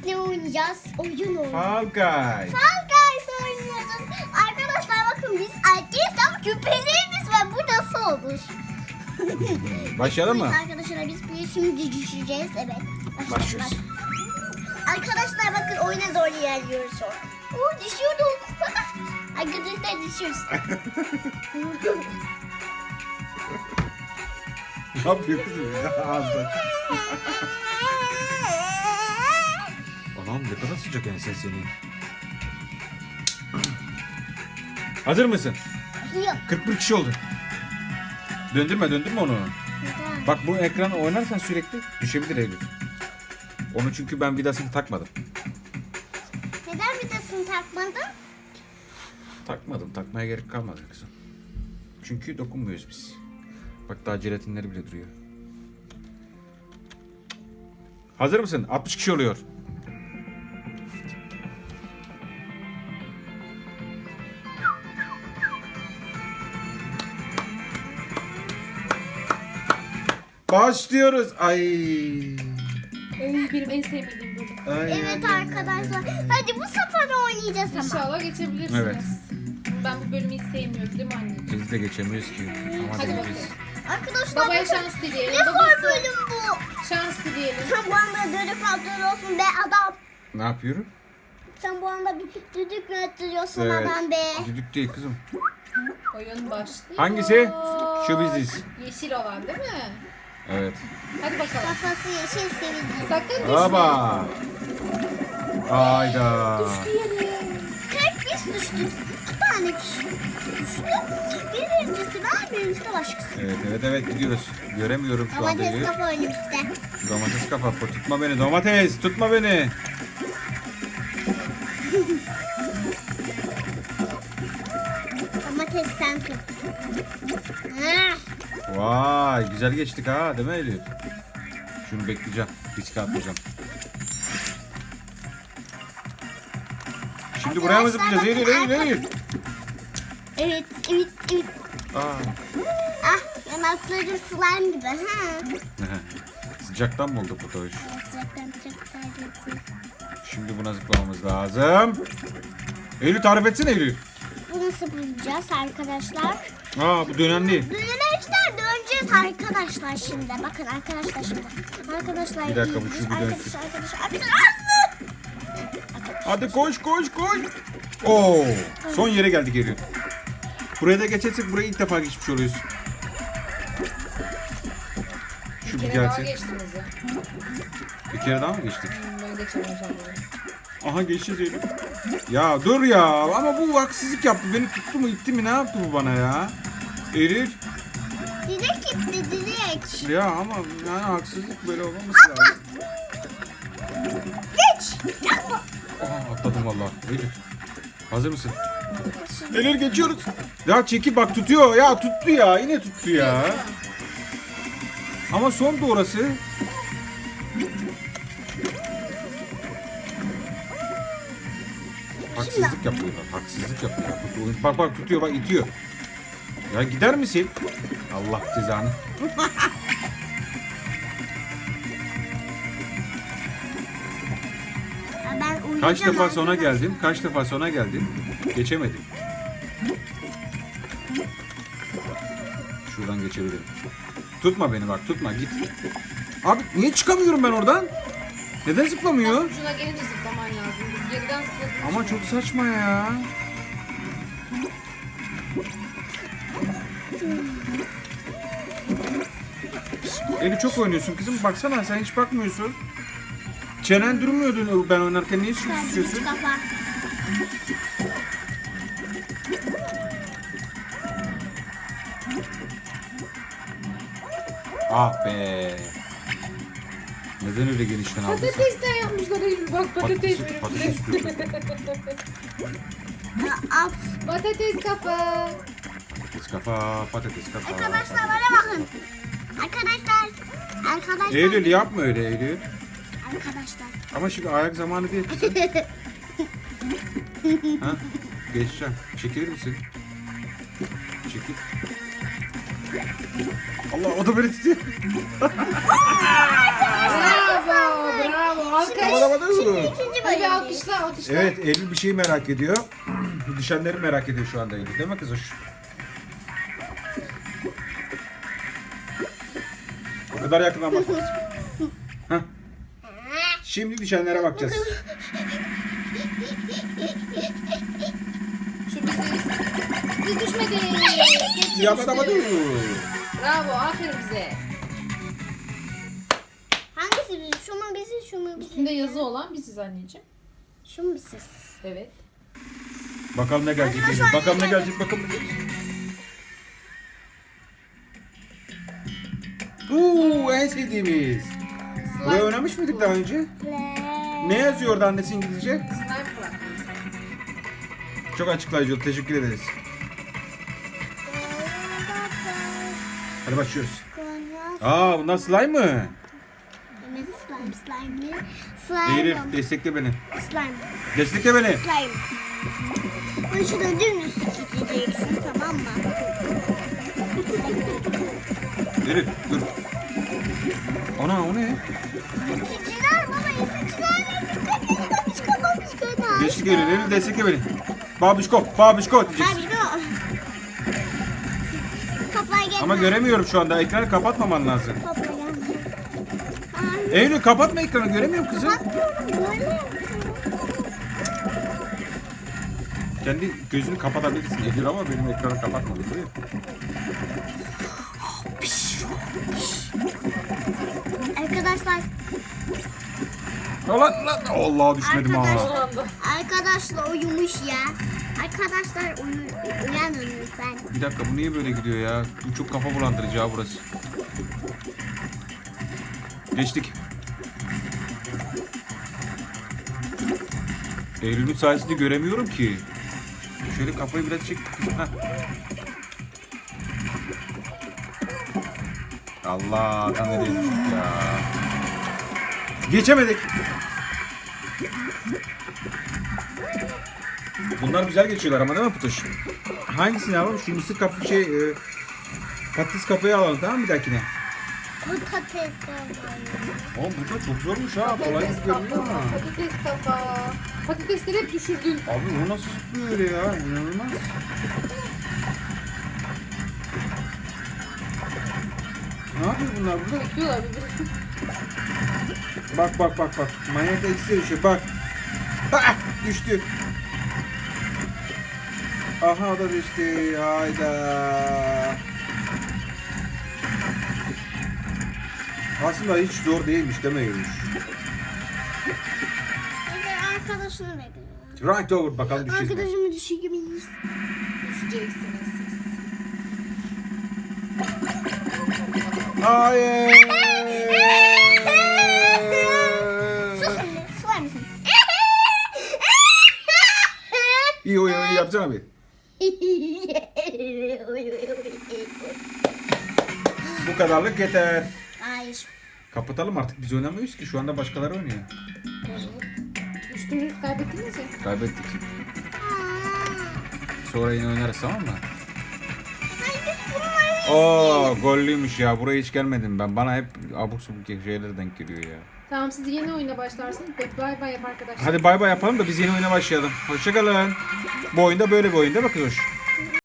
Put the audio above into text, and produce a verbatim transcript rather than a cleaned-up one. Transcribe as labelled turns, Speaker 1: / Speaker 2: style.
Speaker 1: ne oynayacağız? Oyun oynayacağız.
Speaker 2: Fall Guys.
Speaker 1: Fall Guys oynayacağız. Arkadaşlar bakın biz erkeğiz ama küpelerimiz var. Bu nasıl olur?
Speaker 2: Başlayalım mı?
Speaker 1: Arkadaşlar biz bir şimdi düşeceğiz. Evet.
Speaker 2: Başlıyoruz.
Speaker 1: Arkadaşlar bakın oyuna doğru ilerliyoruz. Oo düşüyordum. Arkadaşlar düşüyoruz.
Speaker 2: Ne yapıyorsun ya? Ağzına. Anam ne kadar sıcak ensen senin. Hazır mısın?
Speaker 1: Yok.
Speaker 2: kırk bir kişi oldu. Döndürme döndürme onu.
Speaker 1: Neden?
Speaker 2: Bak bu ekranı oynarsan sürekli düşebilir Eylül. Onu çünkü ben vidasını takmadım.
Speaker 1: Neden vidasını takmadın?
Speaker 2: Takmadım. Takmaya gerek kalmadı kızım. Çünkü dokunmuyoruz biz. Bak daha jelatinleri bile duruyor. Hazır mısın? altmış kişi oluyor. Başlıyoruz. Ay.
Speaker 3: Ay, benim en sevmediğim bölüm.
Speaker 2: Ay,
Speaker 1: Evet
Speaker 2: ay, ay,
Speaker 1: arkadaşlar.
Speaker 2: ay, ay.
Speaker 1: Hadi bu sefer oynayacağız ama.
Speaker 3: İnşallah geçebilirsiniz.
Speaker 2: Evet.
Speaker 3: Ben bu bölümü hiç sevmiyorum değil mi anneciğim?
Speaker 2: Biz de geçemiyoruz ki. Ama
Speaker 3: Hadi
Speaker 2: deneyeceğiz.
Speaker 3: bakalım.
Speaker 1: Arkadaşlar
Speaker 3: Babaya
Speaker 1: bakın,
Speaker 3: şans dileyelim.
Speaker 1: ne zor
Speaker 3: Babası
Speaker 1: bölüm bu.
Speaker 3: şans dileyelim.
Speaker 1: Sen bu anda dönüp atıyorsun be adam.
Speaker 2: Ne yapıyorum?
Speaker 1: Sen bu anda bir düdük mü atıyorsun
Speaker 2: Evet.
Speaker 1: adam be.
Speaker 2: Düdük değil kızım.
Speaker 3: Oyun başlıyor.
Speaker 2: Hangisi? Şu biziz.
Speaker 3: Yeşil olan değil mi?
Speaker 2: Evet.
Speaker 3: Hadi bakalım.
Speaker 1: Kafası yeşil sevildi.
Speaker 3: Sakın düşme.
Speaker 2: Baba. Hayda.
Speaker 3: Düştü yere.
Speaker 1: Tek biz düştük. İki tane kişi düştü. Birincisi ben birincisi de başkası.
Speaker 2: Evet evet evet gidiyoruz. Göremiyorum şu anda.
Speaker 1: Domates
Speaker 2: Eylül.
Speaker 1: kafa önümüzde.
Speaker 2: Domates kafa. Tutma beni domates. Tutma beni.
Speaker 1: Domates sen tut. Ah,
Speaker 2: Vay güzel geçtik ha değil mi Eylül? Şunu bekleyeceğim. Riske atmayacağım. Şimdi buraya mı zıplayacağız? Eylül Eylül Eylül.
Speaker 1: Evet, evet, evet.
Speaker 2: Aa.
Speaker 1: Ah, yanakları slime gibi. Ha.
Speaker 2: Sıcaktan mı oldu bu tavuş?
Speaker 1: Sıcaktan çok terletti.
Speaker 2: Şimdi buna zıplamamız lazım. Eylül tarif etsene Eylül.
Speaker 1: Bu nasıl bulacağız arkadaşlar?
Speaker 2: Aa bu dönenli.
Speaker 1: Dönemeçler döneceğiz arkadaşlar şimdi. Bakın arkadaşlar şimdi. Arkadaşlar.
Speaker 2: Bir dakika, bu şu bir
Speaker 1: arkadaşlar,
Speaker 2: dönsün.
Speaker 1: arkadaşlar, arkadaşlar.
Speaker 2: Hadi koş koş koş. Oo, son yere geldik Eylül. Buraya da geçersek buraya ilk defa geçmiş oluyoruz. Şu
Speaker 3: Bir
Speaker 2: bir
Speaker 3: kere daha
Speaker 2: gelsin.
Speaker 3: geçtiniz ya.
Speaker 2: Bir kere daha mı geçtik?
Speaker 3: Hmm, Ben geçemeyeceğim bunu.
Speaker 2: Aha geçeceğiz Eylül. Ya dur ya ama bu haksızlık yaptı. Beni tuttu mu itti mi ne yaptı bu bana ya? Eylül.
Speaker 1: Direkt gitti direkt.
Speaker 2: Ya ama yani haksızlık böyle olmaması lazım.
Speaker 1: Geç. Yapma.
Speaker 2: Aha atladım vallahi. Eylül. Hazır mısın? Eylül geçiyoruz. Ya çeki bak tutuyor ya tuttu ya yine tuttu ya. Ama son da orası. Haksızlık yapıyorlar. Haksızlık yapıyorlar. Tut- Bak bak tutuyor bak itiyor. Ya gider misin? Allah cezanı.
Speaker 1: Ya ben uyuyacağım
Speaker 2: Kaç defa sona
Speaker 1: arkadaşlar.
Speaker 2: geldim? Kaç defa sona geldim? Geçemedim. Şuradan geçebilirim. Tutma beni bak tutma git. Abi niye çıkamıyorum ben oradan? Neden zıplamıyor?
Speaker 3: Ucuna gelince zıplaman lazım. Geriden zıpladın.
Speaker 2: Ama çok saçma ya. Eli çok oynuyorsun kızım. Baksana sen hiç bakmıyorsun. Çenen durmuyordu ben oynarken. Niye
Speaker 1: Sen
Speaker 2: susuyorsun?
Speaker 1: hiç kafa.
Speaker 2: Ah be. Neden öyle genişten aldın sen?
Speaker 3: Patatesten yapmışlar Eylül. Bak patates
Speaker 2: Patates,
Speaker 3: verim.
Speaker 2: patates
Speaker 1: Ya, At.
Speaker 3: Patates kafa.
Speaker 2: Patates kafa, patates kafa.
Speaker 1: Arkadaşlar bana bakın. Arkadaşlar. Arkadaşlar.
Speaker 2: Eylül yapma öyle Eylül.
Speaker 1: Arkadaşlar.
Speaker 2: Ama şimdi ayak zamanı değil kızım. Ha? Geçeceğim. Çekilir misin? Çekil. Allah o da beni tutuyor.
Speaker 3: Bravo, bravo. Alkış.
Speaker 2: Havada
Speaker 1: Şimdi
Speaker 2: havada.
Speaker 1: ikinci
Speaker 3: Hadi bir
Speaker 1: bölümdeyiz.
Speaker 3: alkışla alkışla.
Speaker 2: Evet, Eylül bir şeyi merak ediyor. Düşenleri merak ediyor şu anda Eylül. Değil mi kız hoş? O kadar yakından bakma. Hah. Şimdi düşenlere bakacağız.
Speaker 3: Şu biziz. Biz düşmedik.
Speaker 2: Havada havada.
Speaker 3: Bravo, aferin bize.
Speaker 1: Hangisi bizi? Şu mu bizi? Şu mu bizi?
Speaker 3: Üstünde yazı olan biziz anneciğim.
Speaker 1: Şu mu bizi?
Speaker 3: Evet.
Speaker 2: Bakalım ne gelecek Eylül.
Speaker 1: Arkadaşlar,
Speaker 2: Bakalım ne
Speaker 1: ne
Speaker 2: gelecek. Bakalım ne gelecek. Uuu en sevdiğimiz. Buraya oynamış mıydık daha önce? Ne yazıyor orada annesi İngilizce?
Speaker 3: Sniper Club.
Speaker 2: Çok açıklayıcı oldu. Teşekkür ederiz. Hadi başlıyoruz. Aa bunlar slime mı?
Speaker 1: Evet, slime, slime. Slime.
Speaker 2: Eylül destekle beni.
Speaker 1: Slime.
Speaker 2: Destekle beni.
Speaker 1: Slime. Bunu şuradan dümdüz gideceksin, tamam mı?
Speaker 2: Eylül dur. Ana o ne?
Speaker 1: İticiler baba, iticiler. Dikkat edin, babişko, babişko.
Speaker 2: Geçtik Eylül. Eylül destekle beni. Babişko, babişko diyeceksin.
Speaker 1: Babişko. Kapıya gelme.
Speaker 2: Ama göremiyorum şu anda. Ekranı kapatmaman lazım.
Speaker 1: Kapıya gelme. Ay,
Speaker 2: Eylül kapatma ekranı. Göremiyorum kızım.
Speaker 1: bakıyorum, böyle.
Speaker 2: Kendi gözünü kapatabilirsin Eylül ama benim ekranı kapatma. Değil mi?
Speaker 1: Arkadaşlar,
Speaker 2: Lan lan. Allah düşmedim ha.
Speaker 1: Arkadaşlar.
Speaker 3: Son anda.
Speaker 1: arkadaşlar uyumuş ya. Arkadaşlar uyu, uyanın lütfen.
Speaker 2: Bir dakika bu niye böyle gidiyor ya? Bu çok kafa bulandırıcı ha burası. Geçtik. Eylül'ün sayesinde göremiyorum ki. Şöyle kafayı biraz çek. Heh. Allah tam nereye düştük ya. Geçemedik. Bunlar güzel geçiyorlar ama değil mi Putuş? Hangisini alalım? Şu mısır kafa şey e, patates kafayı alalım tamam mı bir dahakine?
Speaker 1: Patates.
Speaker 2: Oğlum bu da çok zormuş ha. Kolay
Speaker 3: Patates
Speaker 2: gibi görünüyor
Speaker 3: kafa.
Speaker 2: ama.
Speaker 3: Patates kafa. Patatesleri hep düşürdün.
Speaker 2: Abi bu nasıl zıplıyor öyle ya? İnanılmaz. Ne yapıyor bunlar burada?
Speaker 3: Bekliyorlar birbirini.
Speaker 2: Bak bak bak bak. Manyak da ikisi düşüyor bak. Ah, düştü. Aha o da düştü. Hayda. Aslında hiç zor değilmiş demeyiyormuş.
Speaker 1: Hadi arkadaşını bekliyorum.
Speaker 2: Right over bakalım düşeceğiz mi?
Speaker 1: Arkadaşımı düşürebiliriz.
Speaker 3: Düşeceksiniz siz.
Speaker 2: Hayır.
Speaker 1: Sus şimdi, susar mısın?
Speaker 2: İyi o iyi yapsana bir. Bu kadarlık yeter.
Speaker 1: Hayır.
Speaker 2: Kapatalım artık biz oynamıyoruz ki şu anda başkaları oynuyor.
Speaker 3: Düştünüz, kaybettiniz ya.
Speaker 2: Kaybettik. Sonra yine oynarız tamam mı? Oo gollüymüş ya buraya hiç gelmedim ben. Bana hep abuk subuk şeyler denk geliyor ya.
Speaker 3: Tamam, siz yeni oyuna başlarsınız. Bay bay yap arkadaşlar.
Speaker 2: Hadi bay bay yapalım da biz yeni oyuna başlayalım. Hoşçakalın. Bu oyunda böyle bir oyun değil mi kız hoş?